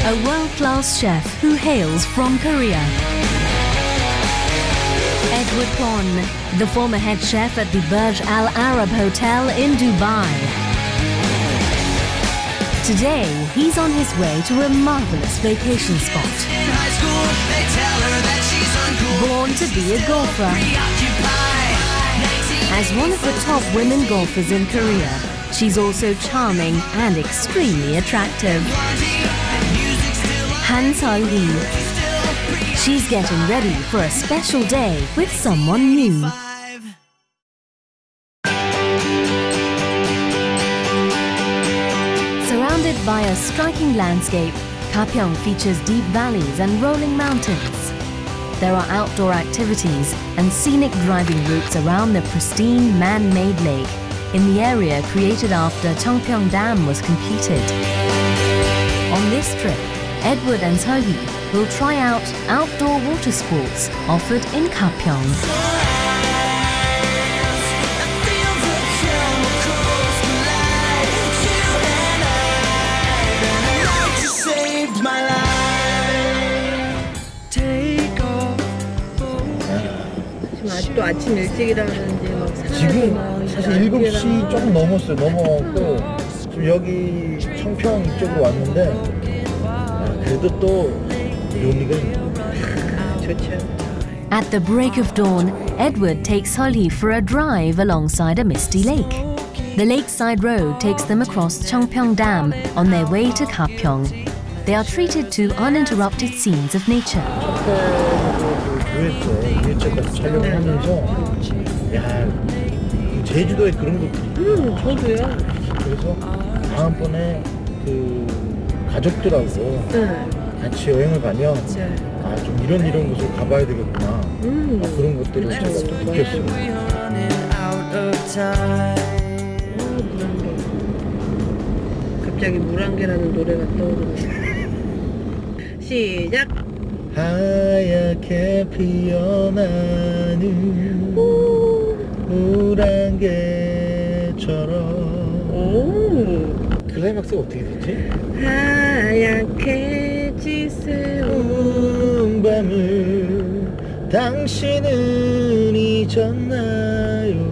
a world-class chef who hails from Korea. Edward Kwon, the former head chef at the Burj Al Arab Hotel in Dubai. Today, he's on his way to a marvelous vacation spot. Born to be a golfer. As one of the top women golfers in Korea, she's also charming and extremely attractive. Han Seol-hee. She's getting ready for a special day with someone new. Surrounded by a striking landscape, Gapyeong features deep valleys and rolling mountains. There are outdoor activities and scenic driving routes around the pristine man-made lake in the area created after Cheongpyeong Dam was completed. On this trip, Edward and Seol-hee will try out outdoor water sports offered in Gapyeong. 아직도 아침 일찍이라는지 막 지금 사실 7시 조금 넘었어요. 넘어갔고 지금 여기 청평 이쪽으로 왔는데 그래도 또 요닉은 좋죠. At the break of dawn, Edward takes Seol-hee for a drive alongside a misty lake. The lakeside road takes them across Cheongpyeong Dam on their way to Gapyeong. They are treated to uninterrupted scenes of nature. 유해체까지 촬영하면서 야 제주도에 그런 것들이 저도요. 그래서 다음번에 그 가족들하고 같이 여행을 가면 아 좀 이런 곳을 가봐야 되겠구나 그런 것들을 제가 또 느꼈어요. 갑자기 물안개라는 노래가 떠오르네. 시작. 하얗게 피어나는 물안개처럼. 클라이막스가 어떻게 되지? 하얗게 지새운 밤을 당신은 잊었나요?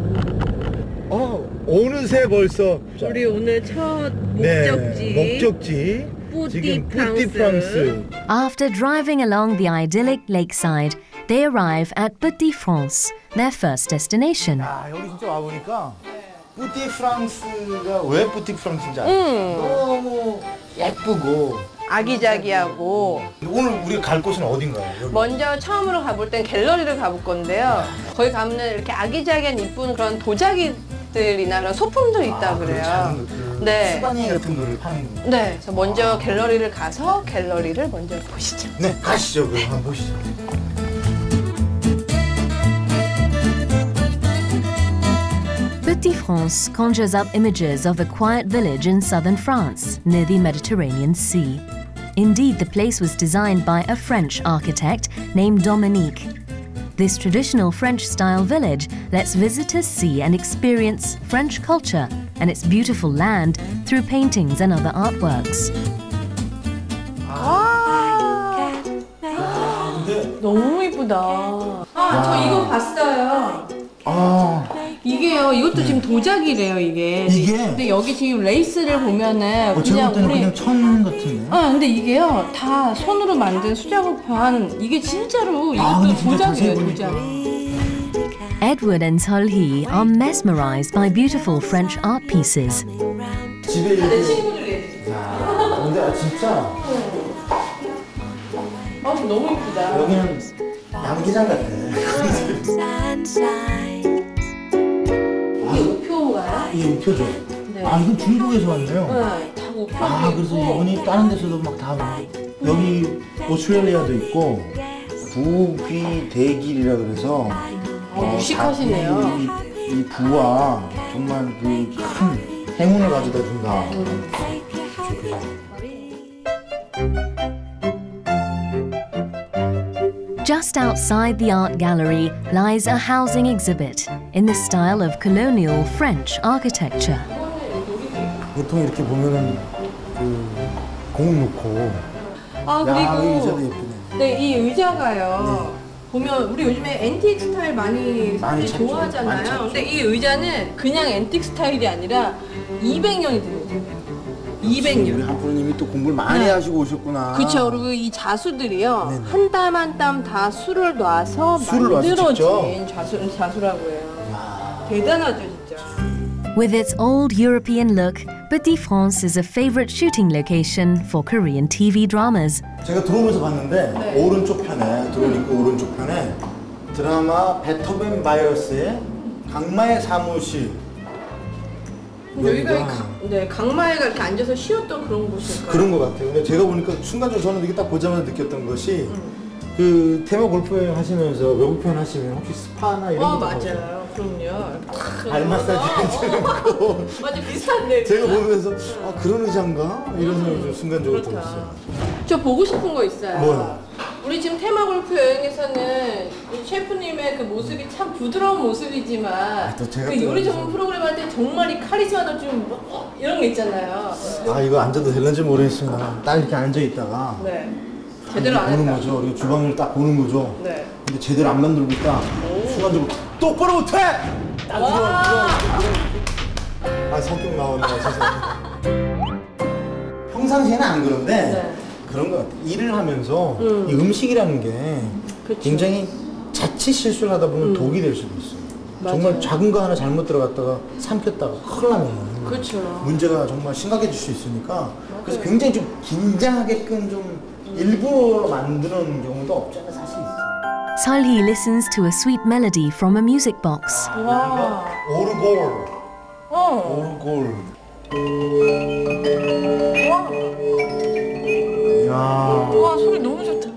어느새 벌써 우리 오늘 첫 목적지. 네, 목적지 지금 뿌띠-프랑스. After driving along the idyllic lakeside, they arrive at Petit-France, their first destination. 여기 진짜 와보니까 뿌띠-프랑스가 왜 뿌띠-프랑스인지 알아요. 너무 예쁘고 아기자기하고. 오늘 우리가 갈 곳은 어딘가요? 여기? 먼저 처음으로 가볼 땐 갤러리를 가볼 건데요. 거기 가면 이렇게 아기자기한 이쁜 그런 도자기들이나 그런 소품들이 있다 그래요. 네. 수바니 같은 거를 파는 거. 네. 그래서 먼저 갤러리를 가서 갤러리를 먼저 보시죠. 네, 가시죠. 그럼 한번 보시죠. Petit-France conjures up images of a quiet village in southern France, near the Mediterranean Sea. Indeed, the place was designed by a French architect named Dominique. This traditional French-style village lets visitors see and experience French culture and its beautiful land through paintings and other artworks. 너무 이쁘다. 저 이거 봤어요. 이게요, 이것도 지금 도자기래요, 이게. 근데 여기 지금 레이스를 보면은 그냥 그냥 천 같은데. 근데 이게요, 다 손으로 만든 수작업한 이게 진짜로 이것도 도자기예요, 도자기. Edward and Seol-hee are mesmerized by beautiful French art pieces. 집에 내 친구들이. 근데 진짜. 너무 이쁘다. 여기는 양기장 같아. 이게 우표인가요? 이게 우표죠. 네. 이건 중국에서 왔네요. 네, 다 우표. 그래서 이분이 다른 데서도 막 다 여기 오스트레일리아도 있고 부귀 대길이라 그래서 무식하시네요. 이 부와 정말 그 큰 행운을 가져다 준다. Just outside the art gallery lies a housing exhibit in the style of colonial French architecture. 보통 이렇게 보면은 그 공 놓고. 아 야, 이 의자도 그리고 예쁘네. 네, 이 의자가요. 보면 우리 요즘에 앤틱 스타일 많이 사람들이 찾죠. 많이 좋아하잖아요. 찾죠. 근데 이 의자는 그냥 앤틱 스타일이 아니라 200년이 된 의자예요. 우리 200년. 한프로님이 또 공부를 많이 네. 하시고 오셨구나. 그렇죠. 그리고 이 자수들이요. 네네. 한 땀 한 땀 다 술을 놔서 술을 놔서 만들어진 자수라고 해요. 야. 대단하죠, 진짜. With its old European look, Petit France is a favorite shooting location for Korean TV dramas. 제가 들어오면서 봤는데 네. 오른쪽 편에 들어오니까 오른쪽 편에 드라마 베토벤 바이러스의 강마의 사무실. 여기가 강마애가 이렇게 앉아서 쉬었던 그런 곳일까요? 그런 것 같아요. 근데 제가 보니까 순간적으로 저는 이게 딱 보자마자 느꼈던 것이 그 테마 골프 여행 하시면서 외국 표현 하시면 혹시 스파나 이런 거 맞아요. 그럼요. 발 마사지 해주고 맞아, 비슷한데. 제가 보면서 아 그런 의자인가? 이런 생각이 좀 순간적으로 그렇다. 들었어요. 저 보고 싶은 거 있어요. 뭐요? 우리 지금 테마 골프 여행에서는 우리 셰프님의 그 모습이 참 부드러운 모습이지만 또 제가 그 또 요리 그래서- 전문 프로그램 할 때 정말 이 카리스마도 좀 이런 게 있잖아요. 아 이거 앉아도 될는지 모르겠어요. 딱 이렇게 앉아 있다가 네. 제대로 안 보는 했다. 거죠. 우리가 주방을 딱 보는 거죠. 네. 근데 제대로 안 만들고 있다. 순간적으로 똑바로 못해! 딱 와. 아 성격 나오네. 죄송합니다. 평상시에는 안 그런데 네. 그런 것 같아요. 일을 하면서 이 음식이라는 게 그쵸. 굉장히 자칫 실수를 하다 보면 독이 될 수도 있어요. 맞아요. 정말 작은 거 하나 잘못 들어갔다가 삼켰다가 큰일 나면 그렇죠. 문제가 정말 심각해질 수 있으니까 그래서 굉장히 좀 긴장하게끔 좀 일부러 만드는 경우도 없지 않아 사실 있어요. Solhee listens to a sweet melody from a music box. 와. 오르골. 어. 오르골. 와. 이야. 와, 소리 너무 좋다.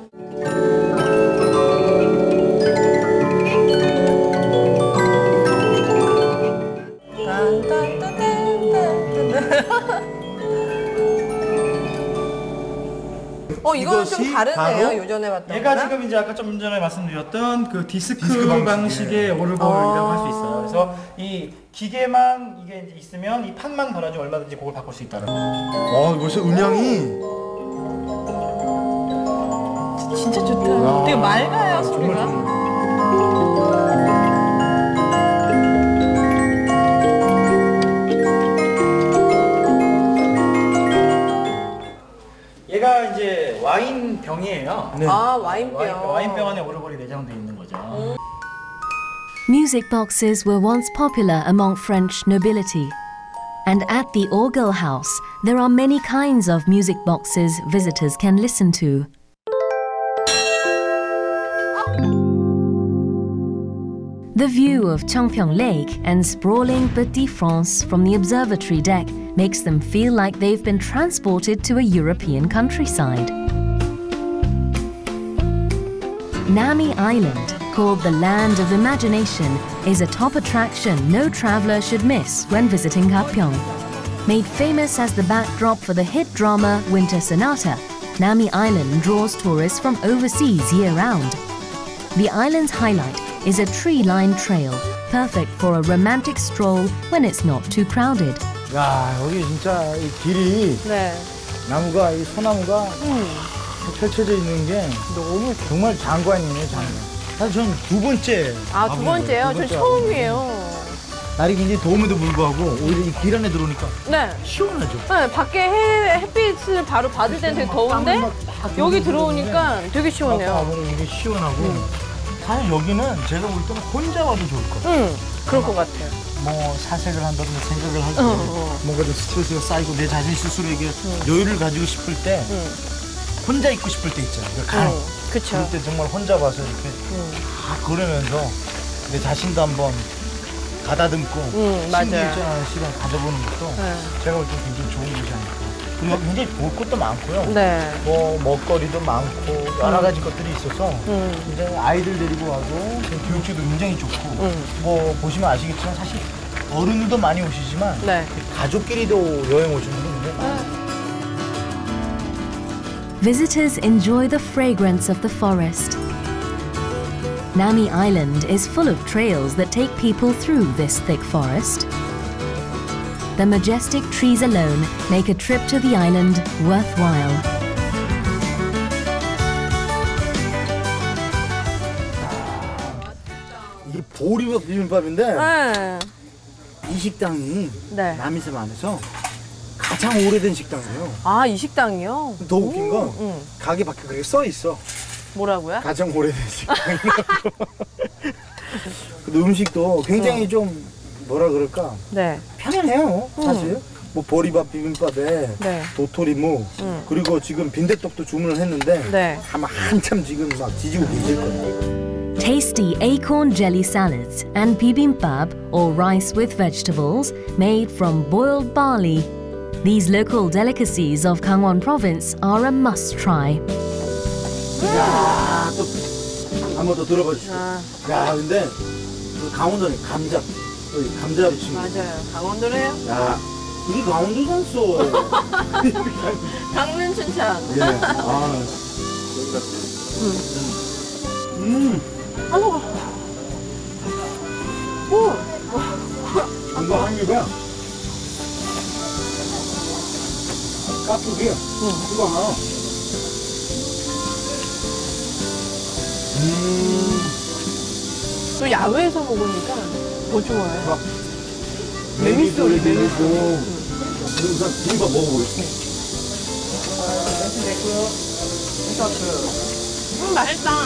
이거는 좀 이것이 다르네요. 바로 요전에 봤던 얘가 거랑. 지금 이제 아까 좀 전에 말씀드렸던 그 디스크, 디스크 방식의 방식의 오르골이라고 할 수 있어요. 그래서 이 기계만 이게 이제 있으면 이 판만 달아주면 얼마든지 곡을 바꿀 수 있다는 거. 벌써 음향이 진짜 좋다. 되게 맑아요, 정말 소리가. 좋네요. 얘가 이제 와인 병이에요. 네. 아, 와인병. 와인병 안에 오르골이 내장되어 있는 거죠. Music boxes were once popular among French nobility. And at the Orgel House, there are many kinds of music boxes visitors can listen to. The view of Changpyeong Lake and sprawling Petit France from the observatory deck makes them feel like they've been transported to a European countryside. Nami Island, called the Land of Imagination, is a top attraction no traveler should miss when visiting Gapyeong. Made famous as the backdrop for the hit drama Winter Sonata, Nami Island draws tourists from overseas year-round. The island's highlight is a tree-lined trail, perfect for a romantic stroll when it's not too crowded. 야 여기 진짜 이 길이 네. 나무가 이 소나무가 펼쳐져 있는 게 너무 정말 장관이네 장관. 사실 저는 두 번째. 아, 두 번째요? 전 처음이에요. 날이 굉장히 더움에도 불구하고 오히려 이 길 안에 들어오니까 네. 시원하죠. 네, 밖에 햇빛을 바로 받을 때는 되게 더운데 여기 들어오니까 되게 시원해요. 와보면 이게 시원하고 사실 여기는 제가 볼 때는 혼자 와도 좋을 것 같아요. 그럴 것 같아요. 뭐 사색을 한다든가 생각을 할 때 뭔가 좀 스트레스가 쌓이고 내 자신 스스로에게 여유를 가지고 싶을 때 혼자 있고 싶을 때 있잖아요. 간혹 그쵸. 그럴 때 정말 혼자 와서 이렇게 다 걸으면서 내 자신도 한번 가다듬고 맞아요. 심기일전하는 시간 가져보는 것도 제가 볼 때 굉장히 좋은 것이 아닐까. 그리고 굉장히 볼 것도 많고요. 네. 뭐 먹거리도 많고 여러 가지 것들이 있어서 굉장히 아이들 데리고 와도 교육지도 굉장히 좋고 뭐 보시면 아시겠지만 사실 어른들도 많이 오시지만 네. 가족끼리도 여행 오시는 분들 굉장히 많아요. Visitors enjoy the fragrance of the forest. Nami Island is full of trails that take people through this thick forest. the majestic trees alone make a trip to the island worthwhile. 이 보리밥 비빔밥인데 네. 이 식당이 네. 남이섬 안에서 가장 오래된 식당이에요. 아, 이 식당이요? 더 웃긴 건 가게 밖에 그게 써 있어. 뭐라고요? 가장 오래된 식당이라고. 근데 음식도 굉장히 좀 뭐라 그럴까 네. 편안해요. 사실 뭐 보리밥 비빔밥에 네. 도토리묵 그리고 지금 빈대떡도 주문을 했는데 네. 아마 한참 지금 막 지지고 계실 거예요. Tasty acorn jelly salads and bibimbap, or rice with vegetables, made from boiled barley. These local delicacies of Gangwon Province are a must-try. 야, 또 한 번 더 들어봐 주시죠. 야, 근데 그 강원도는 감자, 감자 부침. 맞아요. 강원도래요? 야, 이게 강원도잖소. 강릉 춘천. 예. 아, 한번 오. 이거 한 입에 깍두기. 이거 하나. 또 야외에서 먹으니까 더 좋아요. 메밀소리 메밀소. 우선 비빔밥 먹어보겠습니다. 맛있다.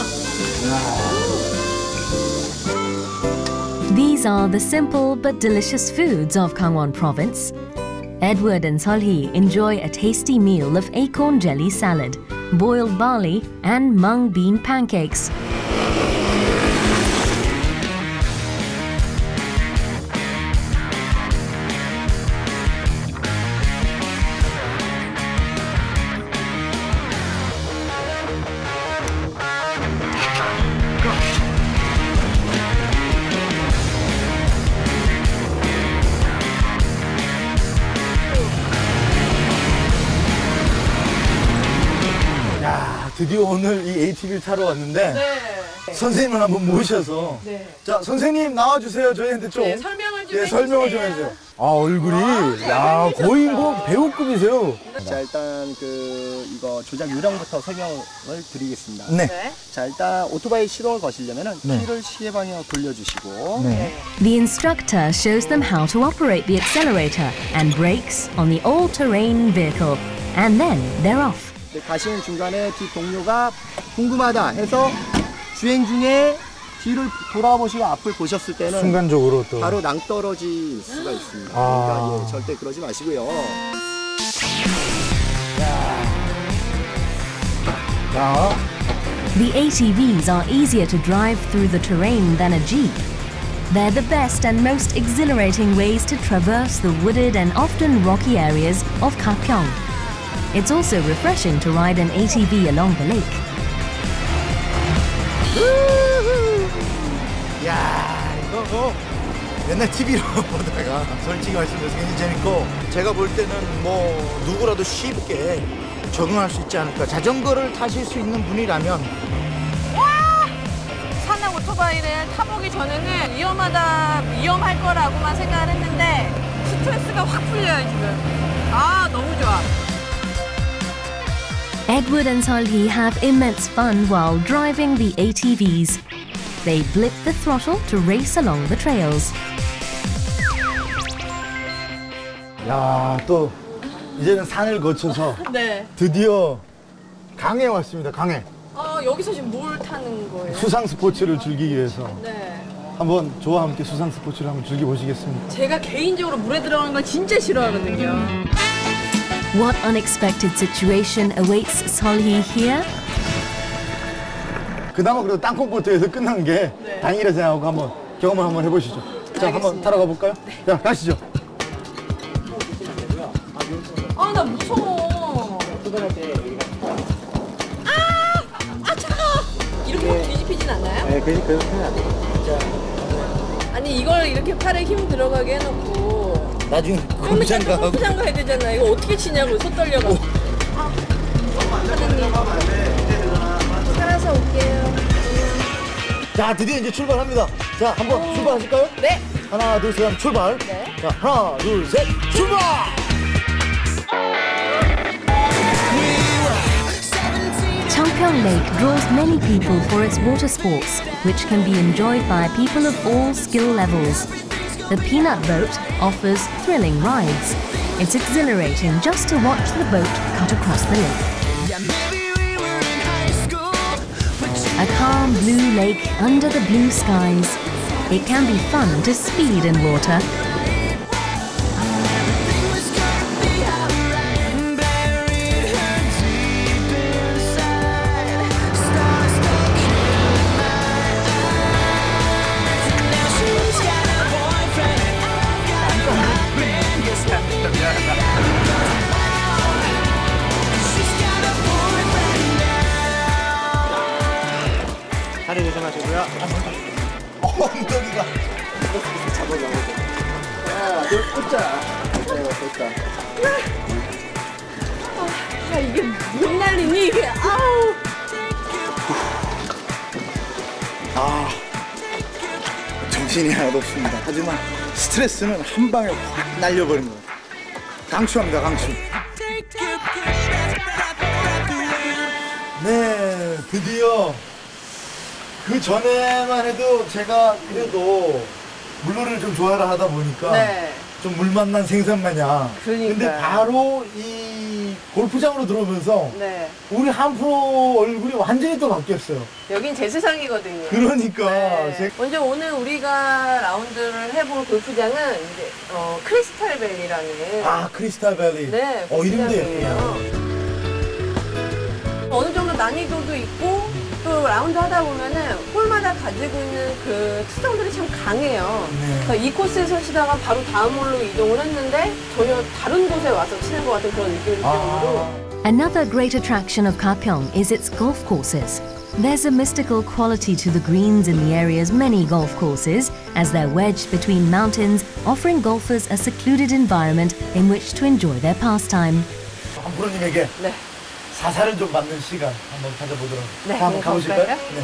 These are the simple but delicious foods of Gangwon Province. Edward and Solhee enjoy a tasty meal of acorn jelly salad, boiled barley, and mung bean pancakes. 드디어 오늘 이 ATV를 타러 왔는데 네. 선생님을 한번 모셔서 네. 자 선생님 나와주세요. 저희한테 좀 설명을 좀 예, 해주세요. 설명을 좀 해주세요. 아 얼굴이 야 거의 뭐 배우급이세요. 자 일단 이거 조작 요령부터 설명을 드리겠습니다. 네. 네. 자 일단 오토바이 시동을 거시려면은 네. 키를 시계 방향으로 돌려주시고 네. The instructor shows them how to operate the accelerator and brakes on the all-terrain vehicle, and then they're off. 가시는 중간에 뒤 동료가 궁금하다 해서 주행 중에 뒤를 돌아보시고 앞을 보셨을 때는 순간적으로 또 바로 낭떠러질 수가 있습니다. 아. 그러니까 예, 절대 그러지 마시고요. 자, The ATVs are easier to drive through the terrain than a Jeep. They're the best and most exhilarating ways to traverse the wooded and often rocky areas of Gapyeong. It's also refreshing to ride an ATV along the lake. 야 이거 뭐 맨날 TV로 보다가 솔직히 말씀드려서 굉장히 재밌고 제가 볼 때는 뭐 누구라도 쉽게 적응할 수 있지 않을까. 자전거를 타실 수 있는 분이라면 산악 오토바이를 타보기 전에는 위험할 거라고만 생각을 했는데 스트레스가 확 풀려요 지금. 아 너무 좋아. Edward and Solhee have immense fun while driving the ATVs. They blip the throttle to race along the trails. 야 또 이제는 산을 거쳐서 네. 드디어 강에 왔습니다. 강에 여기서 지금 뭘 타는 거예요? 수상 스포츠를 즐기기 위해서 네. 한번 저와 함께 수상 스포츠를 한번 즐겨보시겠습니까? 제가 개인적으로 물에 들어가는 걸 진짜 싫어하거든요. What unexpected situation awaits Solhee here? 그나마 그래도 땅콩보트에서 끝난 게 네. 다행이라 생각하고 한번 경험을 한번 해보시죠. 자, 한번 타러 가볼까요? 자, 가시죠. 아 나 무서워. 차가워. 이렇게 뒤집히진 않나요? 네, 그렇게 해야 돼요. 아니 이걸 이렇게 팔에 힘 들어가게 해놓고 나중에 좀 이따 공장가 하고 골프장 가야 되잖아. 이거 어떻게 치냐고 손 떨려가. 사장님 살아서 올게요. 자, 드디어 이제 출발합니다. 자, 한번 출발하실까요? 네. 하나, 둘, 셋 하면 출발. 네. 자, 하나, 둘, 셋, 출발! Changpyeong Lake draws many people for its water sports, which can be enjoyed by people of all skill levels. The Peanut Boat offers thrilling rides. It's exhilarating just to watch the boat cut across the lake. A calm blue lake under the blue skies. It can be fun to speed in water. 다리 조심하시고요. 엉덩이가. 잡아가고. 하나, 둘, 꽂자. 됐다. 야, 이게 못 날리니 이게 아우. 정신이 하나도 없습니다. 하지만 스트레스는 한 방에 확 날려버린 거예요. 강추합니다, 강추. 네, 드디어 그 전에만 해도 제가 그래도 물놀이를 좀 좋아라 하다 보니까 네. 좀 물 만난 생선 마냥. 그러니까요. 근데 바로 이 골프장으로 들어오면서 네. 우리 한프로 얼굴이 완전히 또 바뀌었어요. 여긴 제 세상이거든요. 그러니까 네. 먼저 오늘 우리가 라운드를 해볼 골프장은 이제 크리스탈밸리라는 크리스탈 밸리. 네, 이름도 골프장이에요. 예쁘다. 어느 정도 난이도도 있고 또 라운드 하다 보면은 홀마다 가지고 있는 그 특성들이 참 강해요. 네. 그래서 이 코스에서 치다가 바로 다음 홀로 이동을 했는데 전혀 다른 곳에 와서 치는 것 같은 그런 느낌일 정도로. Another great attraction of Kapyeong is its golf courses. There's a mystical quality to the greens in the area's many golf courses, as they're wedged between mountains, offering golfers a secluded environment in which to enjoy their pastime. 한프로님에게 네. 사사를 좀 받는 시간 한번 가져보도록. 네, 한번 가보실까요? 가볼까요?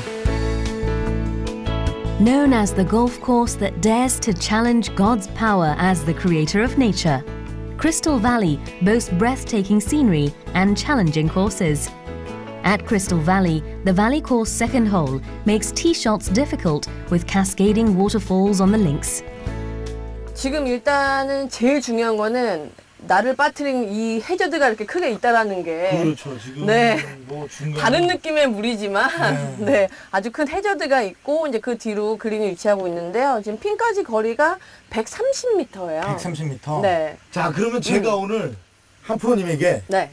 네. Known as the golf course that dares to challenge God's power as the creator of nature, Crystal Valley boasts breathtaking scenery and challenging courses. At Crystal Valley, the Valley Course second hole makes tee shots difficult with cascading waterfalls on the links. 지금 일단은 제일 중요한 거는 나를 빠뜨린 이 해저드가 이렇게 크게 있다라는 게 그렇죠. 지금 네. 뭐 중간 다른 느낌의 물이지만 네, 아주 큰 해저드가 있고 이제 그 뒤로 그린이 위치하고 있는데요. 지금 핀까지 거리가 130m예요. 130m. 네. 자, 그러면 제가 오늘 한프로님에게 네.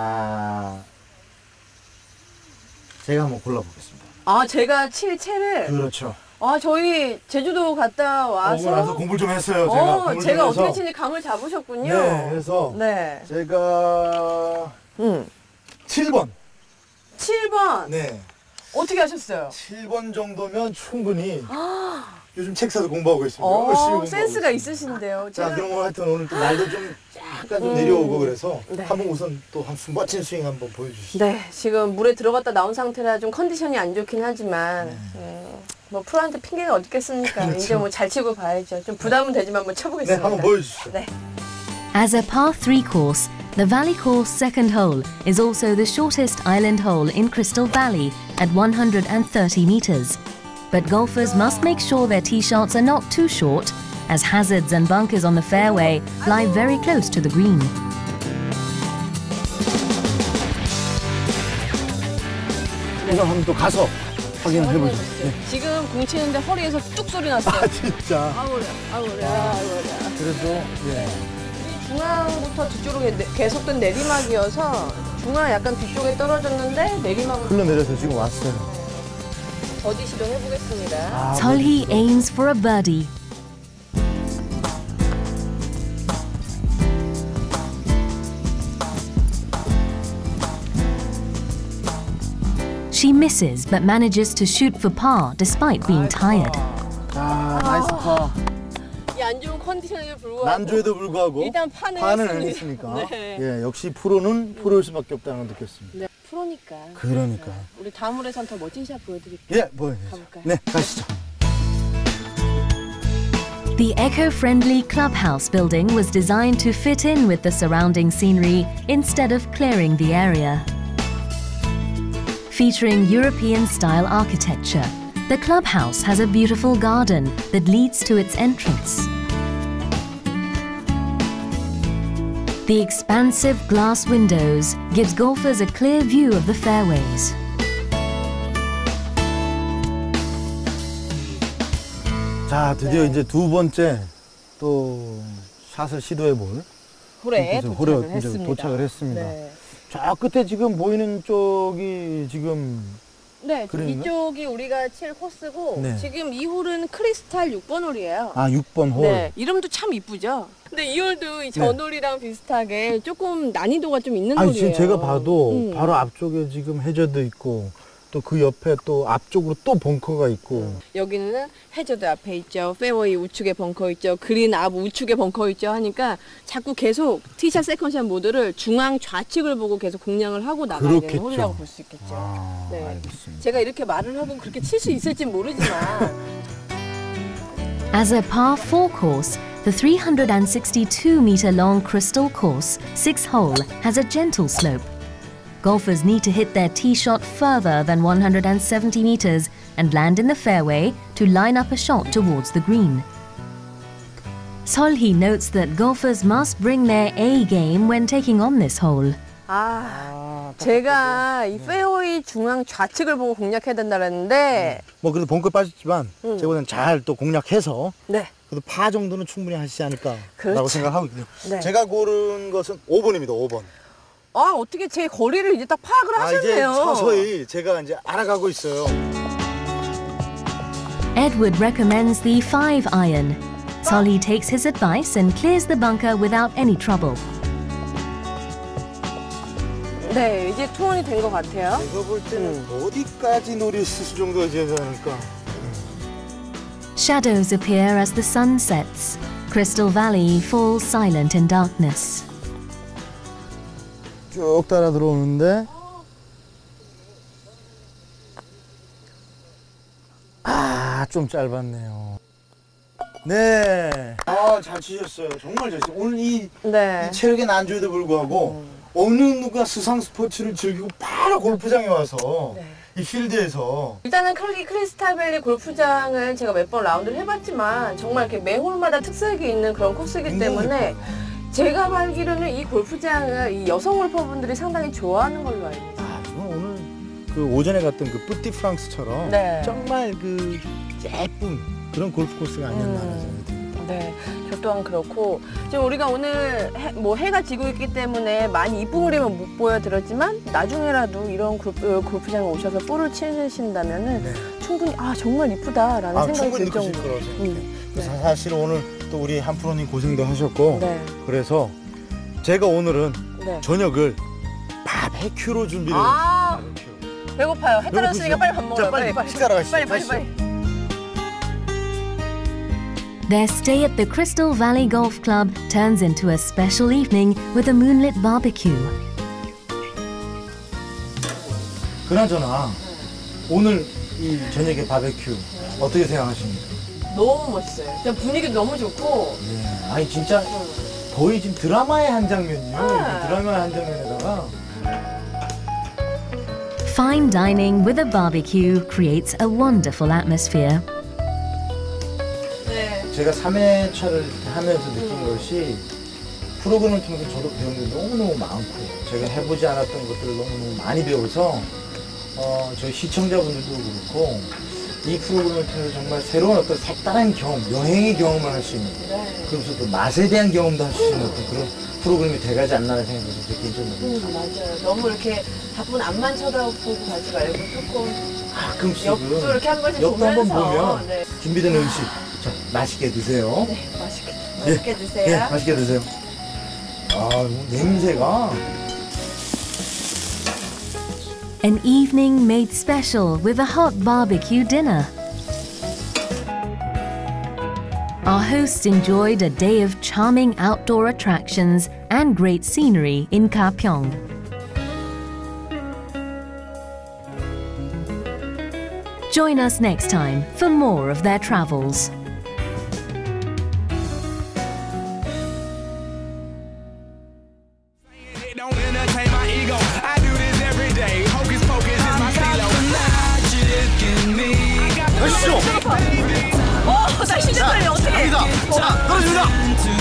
제가 한번 골라보겠습니다. 제가 칠 채를 그렇죠. 저희 제주도 갔다 와서 오고 나서 공부를 좀 했어요. 제가 공부를 제가 좀 어떻게 해서. 치는지 감을 잡으셨군요. 네, 그래서 네. 제가 7번. 7번. 네. 어떻게 하셨어요? 7번 정도면 충분히 요즘 책 사서 공부하고 있습니다. 열심히 공부하고 센스가 있습니다. 있으신데요. 자, 그럼 하여튼 오늘 또 날도 좀 약간 좀 내려오고 그래서 네. 한번 우선 또 한 멋진 스윙 한번 보여주시죠. 네, 지금 물에 들어갔다 나온 상태라 좀 컨디션이 안 좋긴 하지만 뭐 프로한테 핑계가 어디 있겠습니까? 그렇죠. 이제 뭐 잘 치고 봐야죠. 좀 부담은 되지만 한번 네, 쳐보겠습니다. 한번 보여주시죠. 네. As a par 3 course, the Valley Course second hole is also the shortest island hole in Crystal Valley at 130 meters. But golfers must make sure their tee shots are not too short, as hazards and bunkers on the fairway lie very close to the green. 이거 한번 또 가서 확인을 해보죠. 네. 지금 공 치는데 허리에서 뚝 소리 났어요. 진짜. 아우래, 아우래, 아우래. 그래도 예. 중앙부터 뒤쪽으로 계속된 내리막이어서 중앙 약간 뒤쪽에 떨어졌는데 내리막으로 흘러내려서 지금 왔어요. 버디 시도해보겠습니다. Solhi aims for a birdie. She misses but manages to shoot for par despite being tired. 나이스 파. 이 안 좋은 컨디션에도 불구하고 난조에도 불구하고 일단 판을 판을 했습니다. 했으니까 네. 예, 역시 프로는 프로일 수밖에 없다는 걸 느꼈습니다. 네, 프로니까. 그러니까. 우리 다음 홀에선 더 멋진 샷 보여드릴게요. 예, 보여주세요. 가볼까요? 네, 가시죠. The eco-friendly clubhouse building was designed to fit in with the surrounding scenery instead of clearing the area. Featuring European-style architecture, the clubhouse has a beautiful garden that leads to its entrance. The expansive glass windows gives golfers a clear view of the fairways. 자, 드디어 이제 두 번째 또 샷을 시도해 볼 홀에 도착을 했습니다. 네. 저 끝에 지금 보이는 쪽이 지금 네, 그러는가? 이쪽이 우리가 칠 코스고 네. 지금 이 홀은 크리스탈 6번 홀이에요. 6번 홀. 네, 이름도 참 이쁘죠? 근데 이 홀도 이 전 홀이랑 비슷하게 조금 난이도가 좀 있는 홀이에요. 지금 제가 봐도 바로 앞쪽에 지금 해저드 있고 또 그 옆에 또 앞쪽으로 또 벙커가 있고 여기는 해저드 앞에 있죠. 페어웨이 우측에 벙커 있죠. 그린 앞 우측에 벙커 있죠. 하니까 자꾸 계속 티샷, 세컨샷 모드를 중앙 좌측을 보고 계속 공략을 하고 나가야 되는 그렇겠죠. 홀이라고 볼 수 있겠죠. 네. 알겠습니다. 제가 이렇게 말을 하고 그렇게 칠 수 있을지 모르지만 As a par 4 course, the 362-meter-long Crystal Course 6-hole has a gentle slope. Golfers need to hit their tee shot further than 170 meters and land in the fairway to line up a shot towards the green. Solhi notes that golfers must bring their A game when taking on this hole. 제가 이 페어웨이 중앙 좌측을 보고 공략해야 된다 그랬는데 뭐 그래도 벙커 빠졌지만 제보다는 잘 또 공략해서 네. 그래도 파 정도는 충분히 하시지 않을까라고 그렇죠. 생각하고 있거든요. 네. 제가 고른 것은 5번입니다. 5번. 어떻게 제 거리를 이제 딱 파악을 이제 하셨네요. 서서히 제가 이제 알아가고 있어요. Edward recommends the 5-iron. Solhi takes his advice and clears the bunker without any trouble. 네, 이제 투혼이 된 것 같아요. 제가 볼 때는 어디까지 노릴 수 정도가 되지 않을까. Shadows appear as the sun sets. Crystal Valley falls silent in darkness. 쭉 따라 들어오는데 좀 짧았네요. 네. 잘 치셨어요. 정말 잘 치셨어요. 오늘 이 체력의 난조에도 불구하고 어느 누가 수상 스포츠를 즐기고 바로 골프장에 와서 이 필드에서 일단은 크리스탈밸리 골프장을 제가 몇 번 라운드를 해봤지만 정말 이렇게 매 홀마다 특색이 있는 그런 코스이기 때문에 제가 알기로는 이 골프장을 이 여성 골퍼분들이 상당히 좋아하는 걸로 알고 있어요. 오늘 그 오전에 갔던 그 뿌띠 프랑스처럼 정말 그 예쁜 그런 골프 코스가 아니었나 하는 생각이 듭니다. 네, 저 또한 그렇고 지금 우리가 오늘 해가 지고 있기 때문에 많이 이쁜 그림은 못 보여드렸지만 나중에라도 이런 골프장에 오셔서 볼을 치신다면은 충분히 정말 이쁘다라는 생각이 들 정도로. 거라고 생각해요. 그래서 사실 오늘 또 우리 한 프로님 고생도 하셨고 그래서 제가 오늘은 저녁을 바베큐로 준비를 했어요. 배고파요. 해 떨어졌으니까 빨리 밥 먹어요. 빨리 식사하러 가시죠. 빨리. Their stay at the Crystal Valley Golf Club turns into a special evening with a moonlit barbecue. 그나저나 오늘 이 저녁에 바베큐 어떻게 생각하십니까? 너무 멋있어요. 진짜 분위기도 너무 좋고. 아니 진짜 거의 지금 드라마의 한 장면이에요. 드라마의 한 장면에다가 Fine dining with a barbecue creates a wonderful atmosphere. 제가 3회차를 하면서 느낀 것이 프로그램을 통해서 저도 배운 게 너무너무 많고 제가 해보지 않았던 것들을 너무너무 많이 배워서 저희 시청자분들도 그렇고 이 프로그램을 통해서 정말 새로운 어떤 색다른 경험, 여행의 경험을 할 수 있는 그러면서 또 맛에 대한 경험도 할 수 있는 어떤 그런 프로그램이 돼가지 않나라는 생각이 들어요. 맞아요. 너무 이렇게 바쁜 앞만 쳐다보고 가지 말고 조금 가끔씩은 옆도 이렇게 한 번씩 옆도 한번 보면서 보면 준비된 음식 자, 맛있게 드세요. 네, 맛있게 드세요. 네, 맛있게 드세요. 냄새가 An evening made special with a hot barbecue dinner. Our hosts enjoyed a day of charming outdoor attractions and great scenery in Kapyeong. Join us next time for more of their travels. 보시죠. 나 시작할래 어떻게? 갑니다. 자, 떨어집니다.